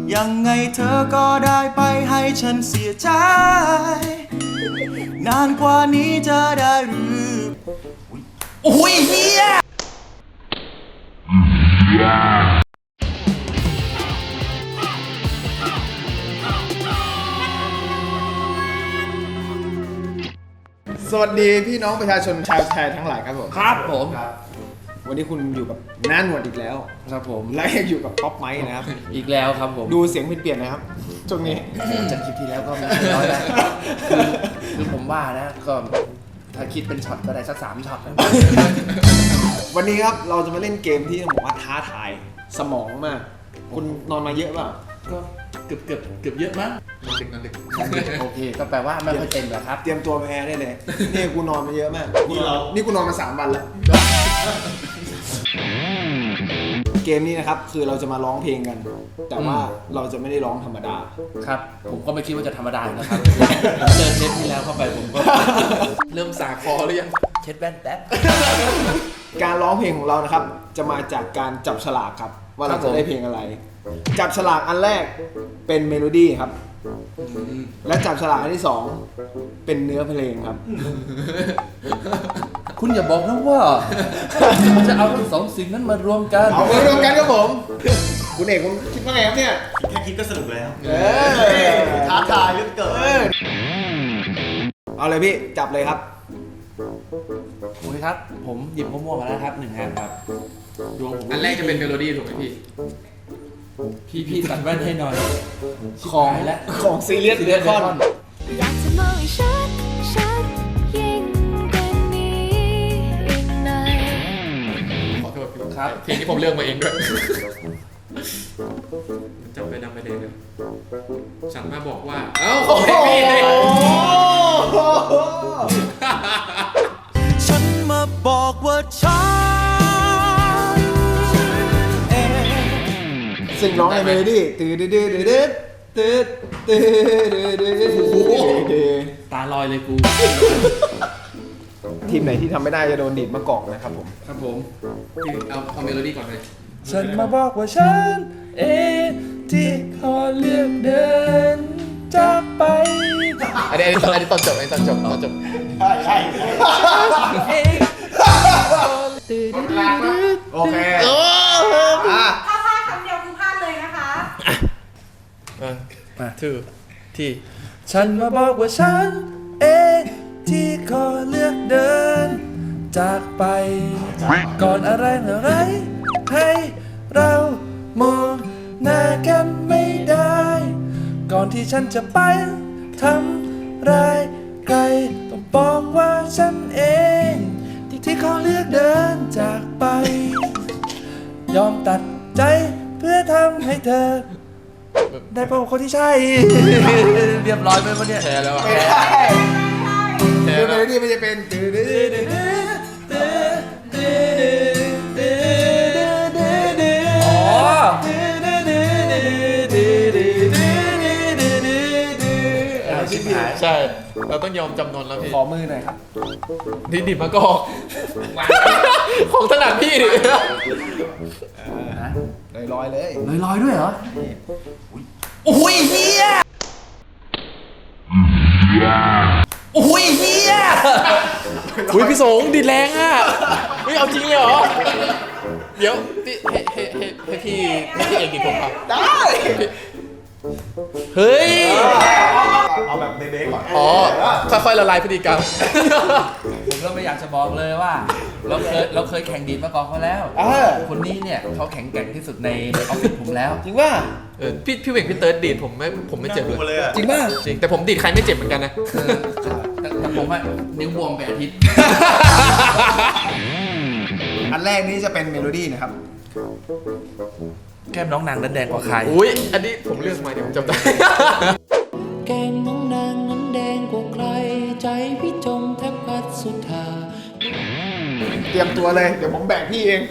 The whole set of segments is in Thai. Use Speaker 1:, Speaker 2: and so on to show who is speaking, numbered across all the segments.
Speaker 1: ยังไงเธอก็ได้ไปให้ฉันเสียใจนานกว่านี้จะได้หรือโอ้ยเฮีย
Speaker 2: สวัสดีพี่น้องประชาชนชาวไทยทั้งหลายครับผม
Speaker 3: ครับผม
Speaker 2: วันนี้คุณอยู่กับน้าหนวดอีกแล้ว
Speaker 3: ครับผม
Speaker 2: และยังอยู่กับป๊อปไมค์นะครับ
Speaker 3: อีกแล้วครับผม
Speaker 2: ดูเสียงเปลี่ยนๆนะครับช่วงนี้
Speaker 3: จากคลิปที่แล้วก็ไม่น้อยแล้วคือผมว่านะก็ถ้าคิดเป็นช็อตก็ได้สัก3 ช็อตนะ
Speaker 2: วันนี้ครับเราจะมาเล่นเกมที่ต้องบอกว่าท้าทายสมองมาก คุณนอนมาเยอะเปล่า
Speaker 3: ก็เกือบเยอะมั้งโอเคก็แปลว่าไม่ค่อยเต็มแหละครับ
Speaker 2: เตรียมตัวแพ้ได้เลยนี่กูนอนมาเยอะมากนี่กูนอนมา3 วันแล้วเกมนี้นะครับคือเราจะมาร้องเพลงกัน แต่ว่าเราจะไม่ได้ร้องธรรมดา
Speaker 3: ครับผมก็ไม่คิดว่าจะธรรมดานะครับเจอเทปที่แล้วเข้าไปผมก็เริ่มสาคอหรือยังเช็ดแว่นแป๊บ
Speaker 2: การร้องเพลงของเรานะครับจะมาจากการจับฉลากครับว่าเราจะได้เพลงอะไร จับฉลากอันแรกเป็นเมโลดี้ครับและจับฉลากอันที่2เป็นเนื้อเพลงครับ
Speaker 3: คุณอย่าบอกนะว่าจะเอาทั้ง2 สิ่งนั้นมารวมกัน
Speaker 2: เอามารวมกันครับผมคุณเอกคุณคิดว่าไงครับเนี่ย
Speaker 1: แค่คิดก็สนุกแล้ว
Speaker 2: ท้าทายเหลือเกินเอาเลยพี่จับเลยครับ
Speaker 3: โอเคครับผมหยิบมะม่วงมาแล้วครับ1 อันครับดวงผม
Speaker 4: อันแรกจะเป็นเมโลดี้ถูกไหมพี่
Speaker 3: พี่ตัดแว่นให้หน่อย
Speaker 2: ของ
Speaker 3: และ
Speaker 2: ของซีเรียสเบคอน
Speaker 5: อยากจะมองให้ชัดยิ่งกว่านี้อีกหน่อย
Speaker 4: ขอโทษพี่
Speaker 3: ครับ
Speaker 4: เพลงที่ผมเลือกมาเองด้วยจำไปดำไปเดงเลยฉันมาบอกว่า เอ้าขอให้พี่เลย
Speaker 1: ฉันมาบอกว่าฉันเอง
Speaker 2: ซึ่งร้องในเมโลดี้ตื้อดื้อดื้อดื้อตื้อตื้อดื้อดื้อดื้อ
Speaker 3: ตาลอยเลยกู
Speaker 2: ทีมไหนที่ทำไม่ได้จะโดนดีดมะกอกนะครับผม
Speaker 3: ครับผม
Speaker 4: พี่เอาเมโลดี้ก่อนเลย
Speaker 3: ฉันมาบอกว่าฉันเองที่ขอเลือกเดินจากไป
Speaker 4: อันนี้ตอนจบตอนจบ
Speaker 2: โอเคอ่ะ
Speaker 6: ถ้าพลาดคำเดียวคือพลาดเลยนะคะ
Speaker 3: มาที่ฉันมาบอกว่าฉันเองที่ขอเลือกเดินจากไป ก่อนอะไรให้เรามองหน้ากันไม่ได้ ก่อนที่ฉันจะไปทำร้ายใครต้องบอกว่าฉันเองที่ขอเลือกเดินจากไป ยอมตัดใจเพื่อทำให้เธอ ได้พบคนที่ใช่ เรียบร้อยไหมวะเนี่ย
Speaker 4: แชร์แล้วอ่ะ
Speaker 2: ไม่ได้
Speaker 4: แช
Speaker 2: คือ
Speaker 4: ร์
Speaker 2: เม
Speaker 4: แล้ว
Speaker 2: โลดี้มันจะเป็นตื้อดื้อดื้อดื้อตื้อตื้อตื้อตื้อตื้อ
Speaker 3: อ๋อ
Speaker 2: ชิบหาย
Speaker 4: ใช่ เราต้องยอมจำนนแล้วพี่
Speaker 2: ขอมือหน่อยครับ
Speaker 4: นี่ดิบมะกอกของถนัดพี่ดิ
Speaker 2: ลอยๆเลย
Speaker 3: ลอยๆด้วยเหรอ โอ้ยเฮียโอ้ยเฮีย
Speaker 4: อุ้ยพี่สงดิดแรงอ่ะเฮ้ยเอาจริงเลยเหรอ เดี๋ยวพี่ให้พี่เอกดิดผมป่ะ
Speaker 2: ได้
Speaker 4: เฮ้ย
Speaker 2: เอาแบบเบ๊ๆก่อน
Speaker 4: อ๋อ ค่อยๆละลายพฤติกรรม
Speaker 3: ผมก็ไม่อยากจะบอกเลยว่า เราเคยแข่งดีดมาก่อนเขาแล้ว คนนี้เนี่ยเขาแข็งแกร่งที่สุดในออฟฟิศผมแล้ว
Speaker 2: จริงป่ะ
Speaker 4: พี่เวกพี่เติร์ดดีดผมไม่เจ็บเลย
Speaker 2: จริงป่ะ
Speaker 4: จริงแต่ผมดีดใครไม่เจ็บเหมือนกันนะ
Speaker 3: แต่ผมอะนิ้วบวมไปอาทิตย์
Speaker 2: อันแรกนี้จะเป็นเมโลดี้นะครับ
Speaker 3: แก้มน้องนางนั้นแดงกว่าใคร
Speaker 4: อุ้ยอันนี้ผมเลือกมาเดี๋ยวผมจำได้
Speaker 7: แก้มน้องนางนั้นแดงกว่าใคร ใจพี่จมแทบพัดสุดทา
Speaker 2: เตรียมตัวเลย เดี๋ยวผมแบกพี่เอง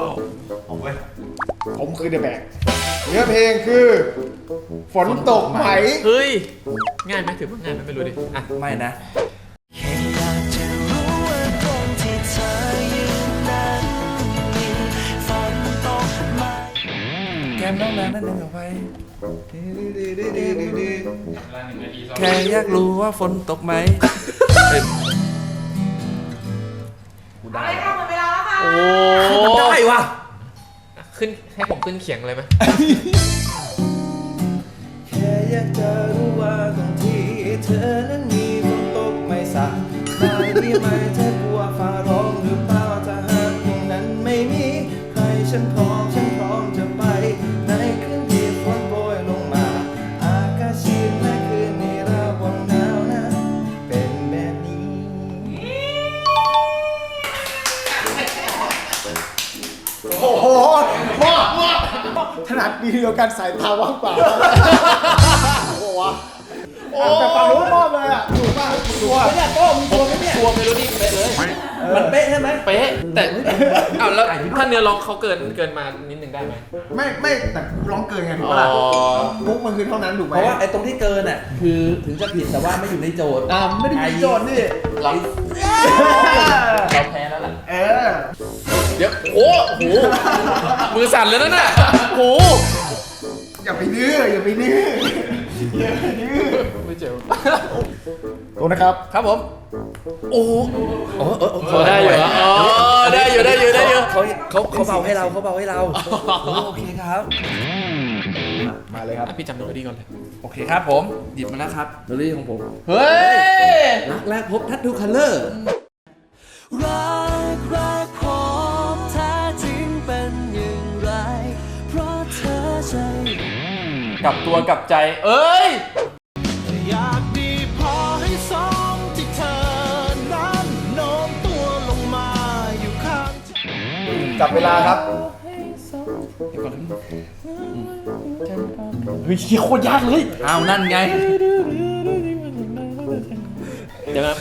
Speaker 2: ผมคือเดอะแบกเนื้อเพลงคือ ฝนตกไหม
Speaker 4: เฮ้ย ง่ายไหมถือว่าง่ายไหมไม่รู้ดิอ่ะ
Speaker 3: ไม่นะ
Speaker 1: แค่อยากจะรู้ว่าตรงที่เธอยืนนั้นมีฝนตกไหม
Speaker 3: แก้มน้องนางนั้นแดงกว่าใครแค่อยากรู้ว่าฝนตกไหม
Speaker 6: อะไรค่ะหมดเวลาแล้วค่ะ
Speaker 4: โอ้
Speaker 3: ได้ว่ะ
Speaker 4: ขึ้นให้ผมขึ้นเขียงเลยไหม
Speaker 3: แค่อยากจะรู้ว่าตรงที่เธอนั้นมีฝนตกไม่สักได้ไหมเธอกลัวฟ้าร้องหรือเปล่าถ้าหากตรงนั้นไม่มีใครฉันพร้อมจะไปในคืนที่ฝนโปรยลงมาอากาศชื้นและคืนนี้ระวังหนาวนะเป็นแบบนี้
Speaker 2: โอ้โหมากถนัดดีเดียวกันสายตาว่างเปล่าโอ้โหวะแต่ฟังรู้มอบเลยอ่ะถูกป่ะถูกป่ะเนี่ยโต้มึงชัวร์ไหมเนี่ย
Speaker 4: ชัวร์เมโลดี้เป๊ะเลย
Speaker 3: มันเป๊ะใช่ไหม
Speaker 4: เป๊ะ แต่อ้าวแล้วถ้าเนื้อร้องเขาเกินมานิดนึงได้ไหม
Speaker 2: ไม่แต่ร้องเกินไงถูกป่ะล่ะ
Speaker 4: อ๋อ
Speaker 2: มุกมันคือเท่านั้นถูกไหม
Speaker 3: เพราะว่าไอ้ตรงที่เกินอ่ะคือถึงจะผิดแต่ว่าไม่อยู่ในโจทย์
Speaker 2: ไม่ได้มีโจทย์นี่
Speaker 4: เราแพ้แล้วล่ะ
Speaker 2: เออ
Speaker 4: เดี๋ยวโอ้โหมือสั่นเลยนะน่ะโอ้โห
Speaker 2: อย่าไปดื้ออย่าไปดื้อ
Speaker 4: ไม่เจ็บ
Speaker 2: ตัวนะครับ
Speaker 3: ครับผมโอ้โห
Speaker 4: ได้อยู่เหรออ๋อได้อยู่
Speaker 3: เขาเบาให้เราเขาเบาให้เราโอเคครับ
Speaker 2: มาเลยครับ
Speaker 4: พี่จำเมโลดี้ก่อนเลย
Speaker 3: โอเคครับผมหยิบมาแล้วครับโดลี่ของผม
Speaker 4: เฮ้ย
Speaker 3: รักแรกพบทัตทูคัลเลอร์
Speaker 1: รักผมแท้จริงเป็นอย่างไร เพราะเธอใจ
Speaker 4: กลับตัวกลับใจเอ้ย
Speaker 1: อยากดีพอให้สมที่เธอนั้นโน้มตัวลงมาอยู่ข้างฉัน
Speaker 2: จับเวลาครับ
Speaker 4: เฮ้ยโคตรยากเลย
Speaker 3: เอานั่นไง
Speaker 4: เดี๋ยวนะ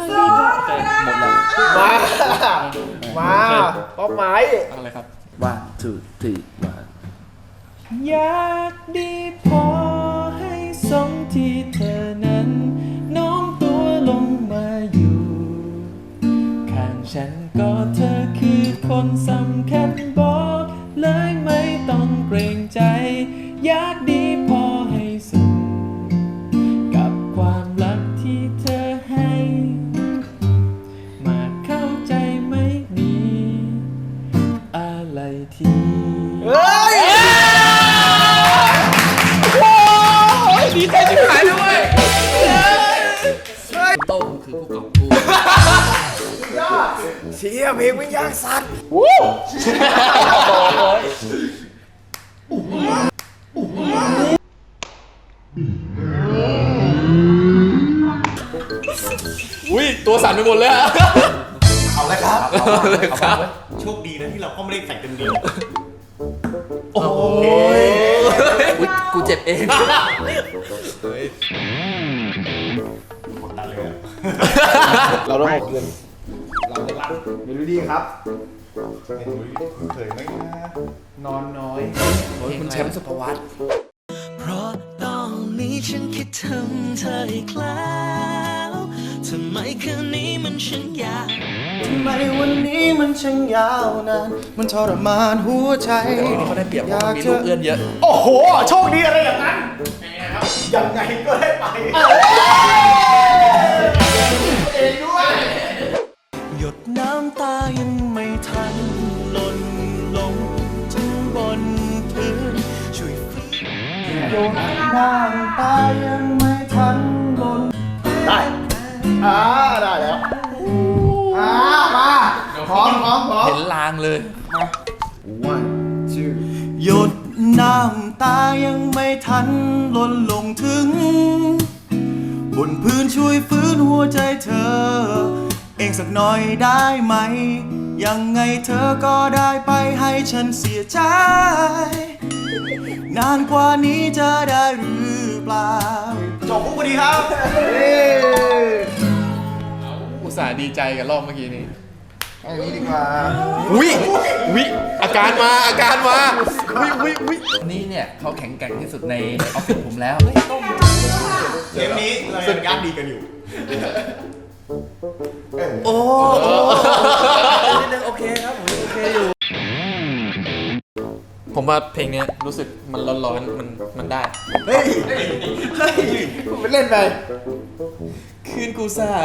Speaker 2: มาป้อมไม้
Speaker 4: อะไรครับ
Speaker 3: one two three one
Speaker 7: อยากดีพอให้สมที่เธอนั้นโน้มตัวลงมาอยู่ ข้างฉันก็เธอคือคนสำคัญบอกเลยไม่ต้องเกรงใจ อยากดีพอให้สมกับความรักที่เธอให้ มาเข้าใจไหมมีอะไรที่
Speaker 4: ดีใจชิบหายด้วย
Speaker 3: โต้งคือผู้กอบกู้
Speaker 2: เชี่ยเพลงมันยากสัตว์
Speaker 4: อุ้ยตัวสั่นไปหมดเลยอะ
Speaker 2: เอาเลยครับ
Speaker 4: เลยครับ
Speaker 8: โชคดีนะที่เราก็ไม่ได้ใส่เต็มเดียว
Speaker 4: โอ้ย
Speaker 3: อุ๊ยกูเจ็บเอง
Speaker 8: กดดันเลยอะ
Speaker 2: เราต้องเอาเกินเราจะรันเมโลดี้ครับ
Speaker 8: ไม่รู้เคยไหมนะ
Speaker 2: นอนน้อย
Speaker 3: คุณแชมป์สุภวัต
Speaker 1: เพราะตอนนี้ฉันคิดถึงเธออีกแล้วทำไมคืนนี้มันช่างยาวทำไมวันนี้มันช่างยาวนานมันทรมานหัวใจ
Speaker 3: นี่เขาได้เปรียบเพราะมันมีลูกเอื้อนเยอะ
Speaker 2: โอ้โห โชคดีอะไรอย่างนั้นยังไงก็ได้ไปเองด้วย
Speaker 1: หยดน้ำตายังไม่ทันหล่นลงถึงบนพื้นช่วยฟื้น
Speaker 2: น้ำตายังไม่ทันหล่นได้ได้แล้วมาพร้อม
Speaker 3: เห็นลางเลย
Speaker 2: one two
Speaker 1: หยดน้ำตายังไม่ทันหล่นลงถึง บนพื้นช่วยฟื้นหัวใจเธอ เองสักหน่อยได้ไหม ยังไงเธอก็ได้ไปให้ฉันเสียใจ นานกว่านี้จะได้หรือเปล่าจบพอดีครับ
Speaker 4: อุตส่าห์ดีใจกับรอบเมื่อกี้นี้
Speaker 2: อันนี้ดีกว่า
Speaker 4: วิอาการมาวิ
Speaker 3: นี่เนี่ยเขาแข็งแกร่งที่สุดในออฟฟิศผมแล้ว
Speaker 8: เกมนี้เรายังญาติดีกันอยู่
Speaker 3: โอ้นิดนึงโอเคครับผมโอเคอยู่
Speaker 4: ผมผมว่าเพลงเนี้ยรู้สึกมันร้อนๆมันได้
Speaker 2: เฮ้ยคุณไปเล่นไป
Speaker 4: คืนกูสา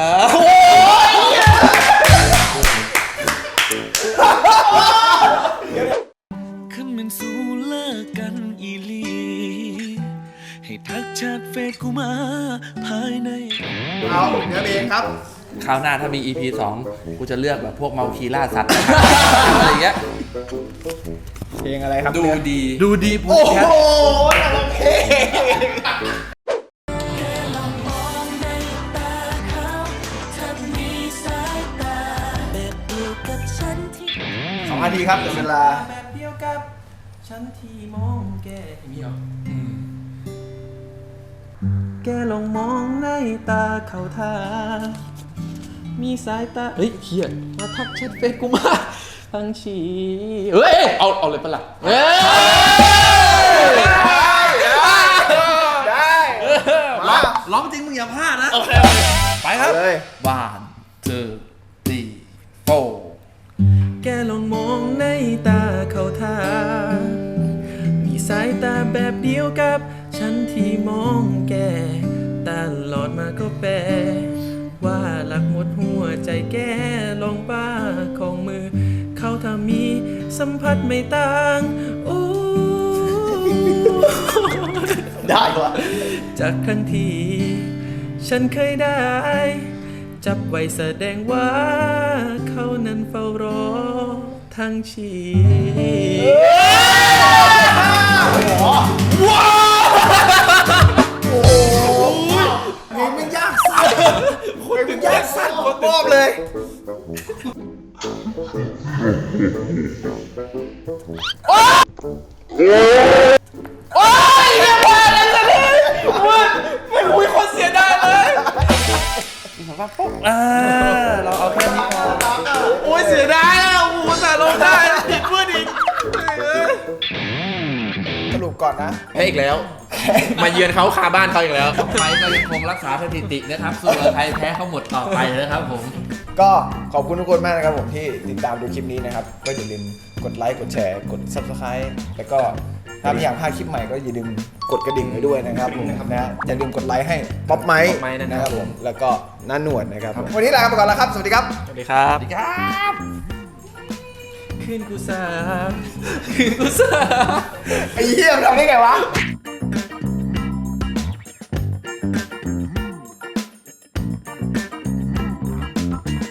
Speaker 7: ขึ้นมันสู้เลิกกันอีหลี ให้ทักแชทเฟซกูมาภายใน
Speaker 2: เอาเนื้อเพลงครับ
Speaker 3: คราวหน้าถ้ามี EP 2 กูจะเลือกแบบพวกเมาคีล่าสัตว์ อะไรอย่างเงี้ย
Speaker 2: เพลงอะไรครับ
Speaker 4: ดู
Speaker 2: เนี่ย
Speaker 4: ดี
Speaker 3: ดูดีพูด
Speaker 2: โอ้
Speaker 3: แค
Speaker 2: โห
Speaker 3: ท
Speaker 2: แต่ละเพลง2 นาทีครับเดี๋ยวเวลา
Speaker 7: แบบเดียวกับฉันที่มองแกมีเหรอแกลองมองในตาเขาทามีสายตา เฮ้ยเฮียมาทักแชทเฟซกูมาทั้งชีเฮ้ย เอาเลยปะล่ะเฮ้ย
Speaker 2: ได้มา
Speaker 3: ร้องจริงมึงอย่าพลาดนะ ไปครับ
Speaker 2: เลย
Speaker 3: 1 2 3 4
Speaker 7: แกลองมองในตาเขาทามีสายตาแบบเดียวกับฉันที่มองแกตลอดมาก็แปลว่าหลักหมดหัวใจแกลองป้าของมือ เขาถ้ามีสัมผัสไม่ต่างโอ้
Speaker 2: ได้วะ
Speaker 7: จากครั้งที่ฉันเคยได้ จับไว้แสดงว่าเขานั้นเฝ้ารอทั้งชีวิต
Speaker 2: เพลงมันยากสัสเพลงมันยากสัสผมบอกเลย
Speaker 3: เราเอาแค่นี้พอ
Speaker 4: โอ้ยเสียดายอ่ะโอ้โหแต่ลงได้ผิดเพื่อนอีก
Speaker 2: สรุปก่อนนะ
Speaker 4: แพ้อีกแล้ว มาเยือนเขาคาบ้านเขาอีกแล้ว
Speaker 3: ไทยก็ยังคงรักษาสถิตินะครับส่วนไทยแพ้เขาหมดต่อไปนะครับผม
Speaker 2: ก็ขอบคุณทุกคนมากนะครับผมที่ติดตามดูคลิปนี้นะครับ ก็อย่าลืมกดไลค์กดแชร์กด Subscribe แล้วก็ถ้าไม่อยากพลาดคลิปใหม่ก็อย่าลืมกดกระดิ่งไว้ด้วยนะครับผมนะอย่าลืมกดไลค์ให้ป๊อปไมค์
Speaker 4: ป๊อปไมค์นะครับ
Speaker 2: ผมแล้วก็น้าหนวดนะครับวันนี้ลาไปก่อนแล้วครับสวัสดีครับ
Speaker 4: สวัสดีครับ
Speaker 7: คืนกูสาคืนกูสา
Speaker 2: ไอ้เหี้ยมันทำได้ไงวะ